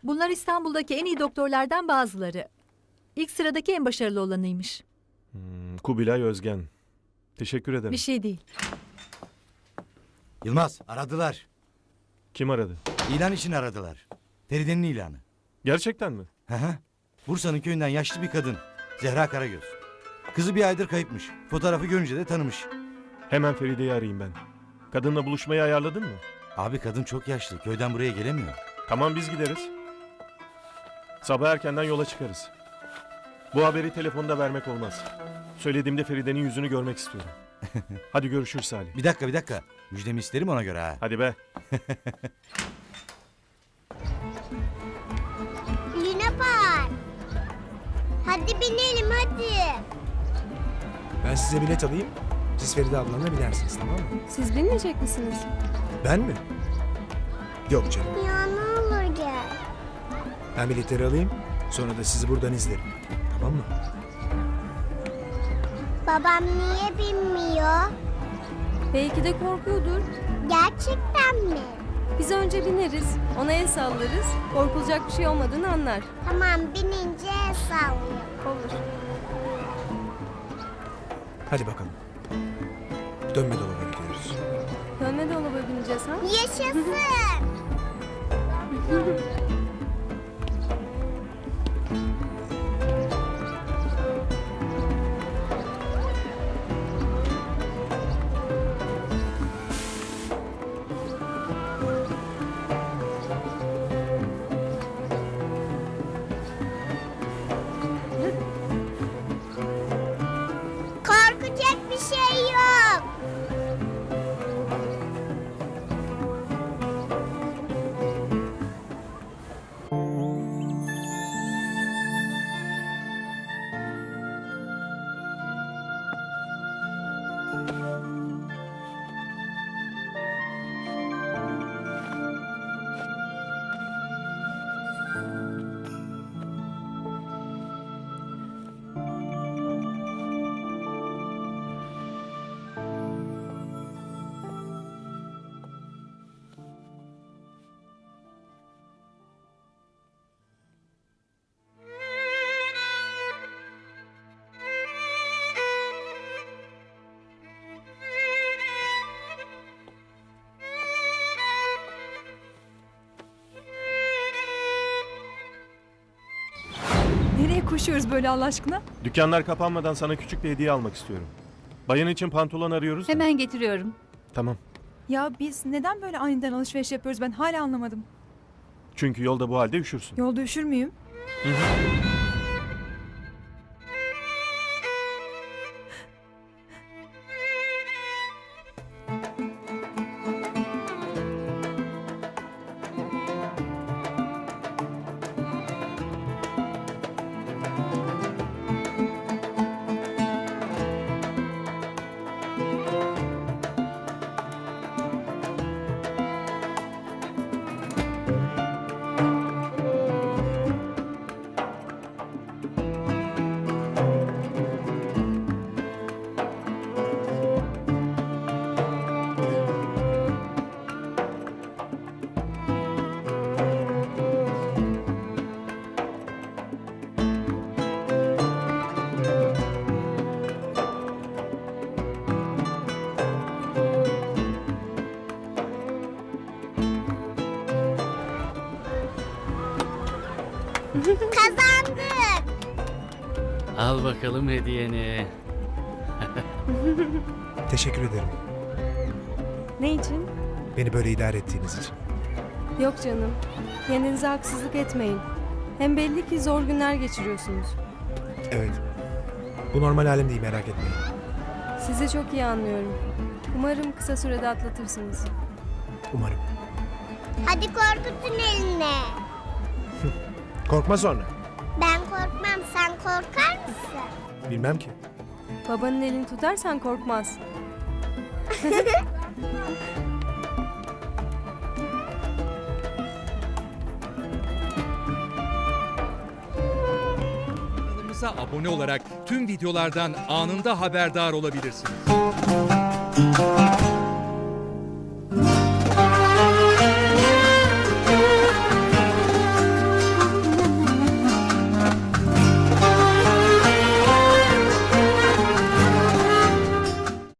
Bunlar İstanbul'daki en iyi doktorlardan bazıları. İlk sıradaki en başarılı olanıymış. Kubilay Özgen. Teşekkür ederim. Bir şey değil. Yılmaz, aradılar. Kim aradı? İlan için aradılar. Feride'nin ilanı. Gerçekten mi? Hı hı. Bursa'nın köyünden yaşlı bir kadın. Zehra Karagöz. Kızı bir aydır kayıpmış. Fotoğrafı görünce de tanımış. Hemen Feride'yi arayayım ben. Kadınla buluşmayı ayarladın mı? Abi kadın çok yaşlı. Köyden buraya gelemiyor. Tamam, biz gideriz. Sabah erkenden yola çıkarız. Bu haberi telefonda vermek olmaz. Söylediğimde Feride'nin yüzünü görmek istiyorum. Hadi görüşürüz Salih. Bir dakika. Müjdemi isterim ona göre ha. Hadi be. Luna Park. Hadi binelim hadi. Ben size bilet alayım. Siz Feride ablanla binersiniz, tamam mı? Siz bilmeyecek misiniz? Ben mi? Yok canım. Ya ne olur gel. Ben biletleri alayım. Sonra da sizi buradan izlerim. Tamam mı? Babam niye binmiyor? Belki de korkuyordur. Gerçekten mi? Biz önce bineriz, ona el sallarız. Korkulacak bir şey olmadığını anlar. Tamam binince el sallayalım. Olur. Hadi bakalım. Dönme dolaba gidiyoruz. Dönme dolaba bineceğiz ha? Yaşasın. Korkacak bir şey yok. Nereye koşuyoruz böyle Allah aşkına? Dükkanlar kapanmadan sana küçük bir hediye almak istiyorum. Bayan için pantolon arıyoruz da. Hemen getiriyorum. Tamam. Ya biz neden böyle aniden alışveriş yapıyoruz ben hala anlamadım. Çünkü yolda bu halde üşürsün. Yolda üşür müyüm? Kazandık. Al bakalım hediyeni. Teşekkür ederim. Ne için? Beni böyle idare ettiğiniz için. Yok canım. Kendinize haksızlık etmeyin. Hem belli ki zor günler geçiriyorsunuz. Evet. Bu normal halim değil, merak etmeyin. Sizi çok iyi anlıyorum. Umarım kısa sürede atlatırsınız. Umarım. Hadi korkutun eline. Korkma sonra. Ben korkmam, sen korkar mısın? Bilmem ki. Babanın elini tutarsan korkmaz. Kanalımıza abone olarak tüm videolardan anında haberdar olabilirsiniz.